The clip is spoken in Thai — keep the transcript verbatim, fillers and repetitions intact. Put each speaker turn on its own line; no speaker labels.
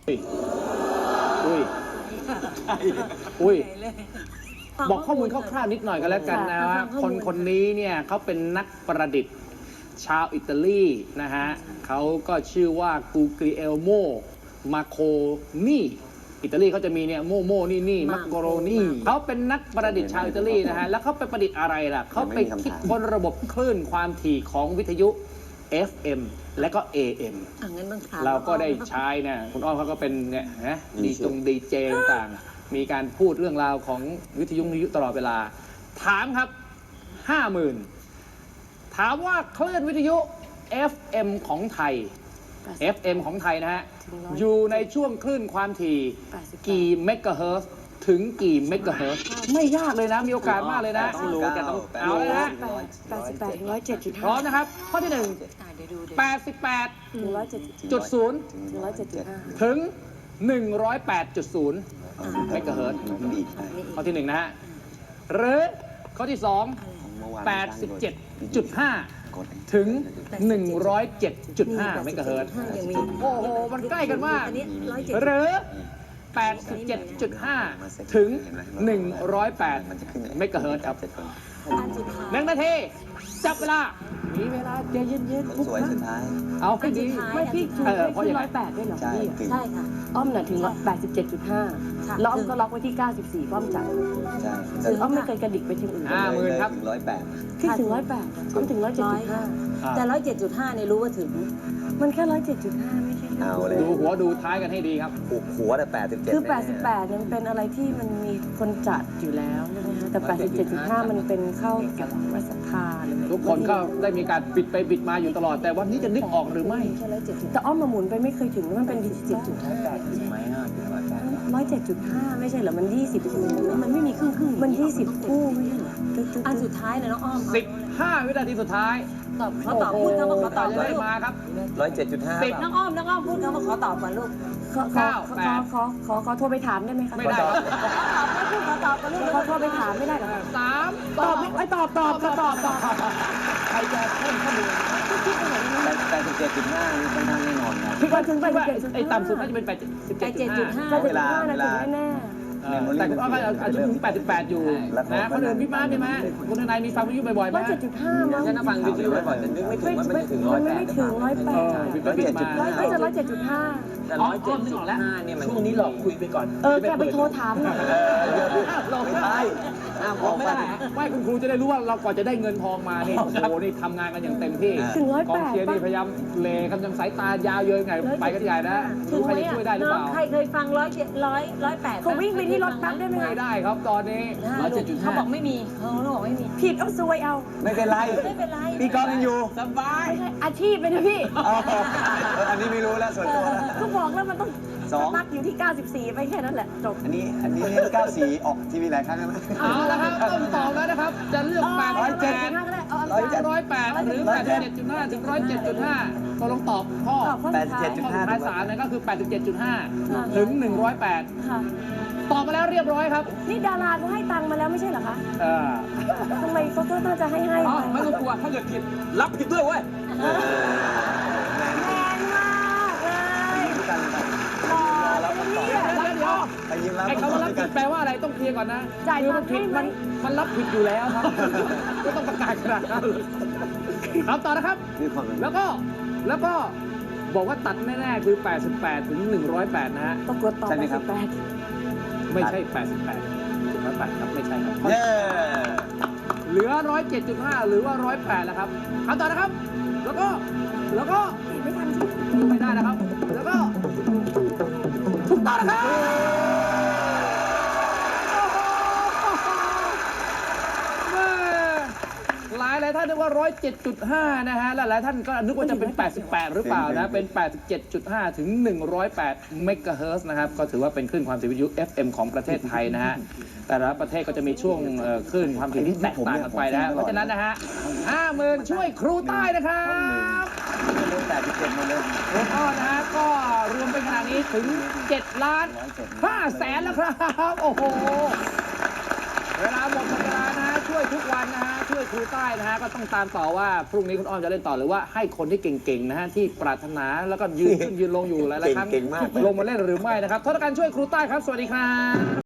อุ้ยอุ้ยบอกข้อมูลคร่าวๆนิดหน่อยกันแล้วกันนะว่าคนคนนี้เนี่ยเขาเป็นนักประดิษฐ์ชาวอิตาลีนะฮะเขาก็ชื่อว่ากูกริเอลโมมาโคนี่อิตาลีเขาจะมีเนี่ยโมโมนี่นี่มักโกโรนี่เขาเป็นนักประดิษฐ์ชาวอิตาลีนะฮะแล้วเขาไปประดิษฐ์อะไรล่ะเขาไปคิดค้นระบบคลื่นความถี่ของวิทยุ เอฟ เอ็ม และก็ เอ เอ็ม เราก็ได้ใช้เนี่ยคุณอ้อมเขาก็เป็นเนี่ยนะดีจงดีเจต่างๆมีการพูดเรื่องราวของวิทยุวิทยุตลอดเวลาถามครับห้าหมื่นถามว่าคลื่นวิทยุ เอฟ เอ็ม ของไทย เอฟ เอ็ม ของไทยนะฮะอยู่ในช่วงคลื่นความถี่กี่เมกะเฮิรตซ์ถึงกี่เมกะเฮิรตซ์ไม่ยากเลยนะมีโอกาสมากเลยนะต้องรู้แกต้องเอาเลยนะ
แปดสิบแปดถึงร้อยเจ็ดจุดห้า
พร้อมนะครับข้อที่หนึ่งแปดสิบแปดจุดศูนย์
ถึงร้อยเจ็ดจุดห้า
ถึงหนึ่งร้อยแปดจุดศูนย์เมกะเฮิรตซ์ข้อที่หนึ่งนะฮะหรือข้อที่สองแปดสิบเจ็ดจุดห้าถึงหนึ่งร้อยเจ็ดจุดห้าเมกะเฮิรตซ์โอ้โหมันใกล้กันมากหรือแปดสิบเจ็ดจุดห้าถึงหนึ่งร้อยแปดเมกะเฮิรตซ์ครับหนึ่งนาทีจับเวลามีเวลาใจเย็นๆทุกครั้งเอาให้ดี
ไม่พี่ถูกได้ที่ร้อยแปดด้วยเหรอพี่
ใช่ค่ะ
อ้อมน่ะถึงแปดสิบเจ็ดจุดห้าแล้วอ้อมก็ล็อกไว้ที่เก้าสิบสี่อ้อมจับคืออ้อมไม่เคยกระดิกไปที่อื่น
ห้าหมื่นครับ
ถึงร้อยแปด
พี่ถึงร้อยแปดอ้อมถึงร้อยเจ็ดจุดห้า
แต่ร้อยเจ็ดจุดห้าเนี่ยรู้ว่าถึง
มันแค่ร้อยเจ็ดจุดห้าไม่ใช่
เอาเลย
ดูหัวดูท้ายกันให้ดีครับ
หัวแต่แปดสิบเจ็ด
คือแปดสิบแปดยังเป็นอะไรที่มันมีคนจัดอยู่แล้วใช่ไหมคะแต่แปดสิบเจ็ดจุดห้ามันเป็นเข้ากับวัสภา
ทุกคนก็ได้มีการบิดไปบิดมาอยู่ตลอดแต่วันนี้จะนึกออกหรือไม่
แต่อ้อมมาหมุนไปไม่เคยถึงมันเป็นดิจิตจุดห้าร้อยเจ็ดจุดห้าไม่ใช่เหรอมันยี่สิบคู่มันไม่มีครึ่งครึ่งมันยี่สิบคู่ไม่ใช่เหรอ
อันสุดท้ายเลยน้องอ้อม
สิบห้าวินาทีสุดท้าย
ตอบเขาตอบพูดคำว่าเขาตอบ
เลยมาครับ
ร้อยเจ็ดจุดห้าสิบน้องอ้อมน้องอ้อมพูดคำว่าขอตอบก่อนลูก
เก้าแปดขอขอขอโทรไปถามได้ไหมคะ
ไม่ได้
ขอตอบไม่พูดขอตอบกันลูกขอโทรไปถามไม่ได้หรอ
สาม
ตอบไม่ตอบตอบตอบตอบ
ใครจะเพิ่มข้อมูล
แปดสิบเจ็ดจุดห้านี่ค่อนข้างแน่นอนครับ
พี่ว่าถึงแปดสิบเจ็ด
ไอ้ต่ำสุดน่าจะเป็นแปดสิบเจ็ดจุดห้า
เวลาเวลาแน่
แต่คุณอ้อมอาจจะถึงแปดสิบแปดอยู่นะคนอื่นพี่ม้าพี่ม้าคุณนายมีฟังวิทยุบ่อยๆไหม
ร้อยเจ็ดจุดห้ามั้ง
ฉันฟังวิทยุบ่อยๆแต่นึกไม่ถึงว่ามันจะถึงร้อยแปด
ไม่ถึงร้อยแปด
ร้อยเจ็ดจุดห้า
น่าจะร้อยเจ็ดจุดห้า
แต่ร้อยเจ็ดจุดห้าเนี่ยมันช่วงนี้หลอกคุยไปก่อน
เออแกไปโทรถามหน่อย
เราไม่ได้ไม่ได้ไม่คุณครูจะได้รู้ว่าเราก่อนจะได้เงินทองมานี่โอ้โหนี่ทำงานกันอย่างเต็มที่
ถึงร้อยแปด
กองเชียร์นี่พยายามเลคำยังสายตายาวเยอะไงไปกันใหญ่นะรู้ใครจะช่วยได้หรือเปล่า
ใครเคยฟังร้อยเจ็ดร้อยร้อยแปด
เขาวิ่งไปที่รถแป๊บได้ไหม
ไม่ได้ครับตอนนี้
ร้อยเจ็ดจุดห้าเขาบอกไม่มีเขาบอกไม่มี
ผิดเอาซวยเอา
ไม่เป็นไรไม่เป็นไรพี่กองยังอยู่สบาย
อาชีพไปนะพี่
อันนี้ไม่รู้แล้วส่วนตัว
ก็บอกแล้วมันต้องนักอยู่ที่เก้าสิบสี่ไปแค่นั้นแหละจบ
อันนี้อันนี้เก้าสี่ออกทีวีหลายครั้งแล้ว
เอาละครับต้องตอบแล้วนะครับจะเลือกแปดร้อยเจ็ดร้อยเจ็ดร้อยแปดหรือแปดสิบเจ็ดจุดห้าถึงร้อยเจ็ดจุดห้าก็ลองตอบข้อ
แปดสิบเจ็ดจุดห้า
ภาษาเนี่ยก็คือแปดสิบเจ็ดจุดห้าถึงหนึ่งร้อยแปดตอบมาแล้วเรียบร้อยครับ
นี่ดาราเขาให้ตังค์มาแล้วไม่ใช่เหรอคะ
เออ
ทำไมเขาก็น่าจะให้ให้
ไม่ต้องกลัวถ้าเกิดผิดรับผิดด้วยเว้ย
แรงมากเลยรอแล้วเนี่ย
ไอ้คำว่ารับผิดแปลว่าอะไรต้องเคลียร์ก่อนนะ
จ่ายตังค์ให้
มันมันรับผิดอยู่แล้วครับก็ต้องประกาศขนาดนั้นครับต่อนะครับแล้วก็แล้วก็บอกว่าตัดแน่ๆคือแปดสิบแปดถึงหนึ่งร้อยแปดนะฮะ
ต้องกดต่อแปดสิบแปด
ไม่ใช่แปดสิบแปดถึงร้อยแปดครับไม่ใช่ครับเหลือร้อยเจ็ดจุดห้าหรือว่าร้อยแปดแล้วครับคำต่อนะครับแล้วก็แล้วก็
ไม่ทัน
ไม่ได้นะครับแล้วก็ถูกต้องนะครับหลายหลายท่านนึกว่าร้อยเจ็ดจุดห้านะฮะและหลายท่านก็นึกว่าจะเป็นแปดสิบแปดหรือเปล่านะเป็นแปดสิบเจ็ดจุดห้าถึงหนึ่งร้อยแปดเมกะเฮิรตซ์นะครับก็ถือว่าเป็นคลื่นความถี่วิทยุ เอฟ เอ็ม ของประเทศไทยนะฮะแต่ละประเทศก็จะมีช่วงคลื่นความถี่ที่แตกต่างกันไปนะเพราะฉะนั้นนะฮะห้าหมื่นช่วยครูใต้นะครับ
แปดสิบเจ็ดมาเลย
โอ้ก็นะฮะก็รวมเป็นขนาดนี้ถึงเจ็ดล้านห้าแสนแล้วครับโอ้โหเวลาหมดหมดเวลานะฮะช่วยทุกวันนะฮะช่วยครูใต้นะฮะก็ต้องตามต่อว่าพรุ่งนี้คุณอ้อมจะเล่นต่อหรือว่าให้คนที่เก่งๆนะฮะที่ปรารถนาแล้วก็ยืนขึ้นยืนลงอยู่หลายๆครั้ง
เก่งๆมาก
ลงมาเล่นหรือไม่นะครับทศกัณฐ์ช่วยครูใต้ครับสวัสดีครับ